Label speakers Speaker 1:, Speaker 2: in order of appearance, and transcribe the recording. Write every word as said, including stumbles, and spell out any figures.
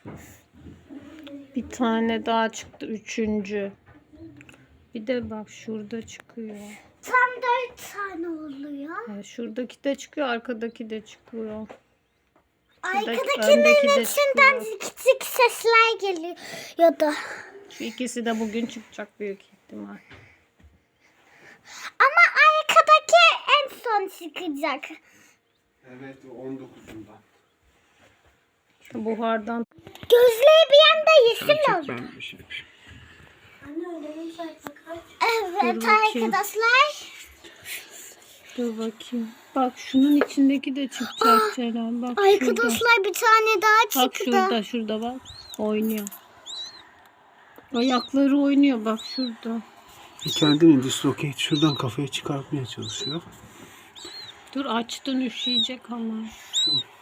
Speaker 1: Bir tane daha çıktı. Üçüncü. Bir de bak şurada çıkıyor.
Speaker 2: Tam dört tane oluyor.
Speaker 1: Evet, şuradaki de çıkıyor. Arkadaki de çıkıyor.
Speaker 2: Arkadakinin içinden zik zik sesler geliyordu.
Speaker 1: Şu ikisi de bugün çıkacak büyük ihtimal.
Speaker 2: Ama arkadaki en son çıkacak.
Speaker 3: Evet, on dokuzundan.
Speaker 1: Buhardan.
Speaker 2: Gözleri bir anda yeşil oldu.
Speaker 3: Ben bir şey yapayım.
Speaker 2: Evet
Speaker 1: Dur bakayım.
Speaker 2: arkadaşlar.
Speaker 1: Dur bakayım. Bak şunun içindeki de çıkacak Ceren. Bak şurada.
Speaker 2: Arkadaşlar bir tane daha
Speaker 1: Bak
Speaker 2: çıktı.
Speaker 1: şurada, şurada bak. Oynuyor. Ayakları oynuyor bak şurada.
Speaker 3: Kendini dislocate şuradan kafaya çıkartmaya çalışıyor.
Speaker 1: Dur açtın üşüyecek ama.
Speaker 3: Şu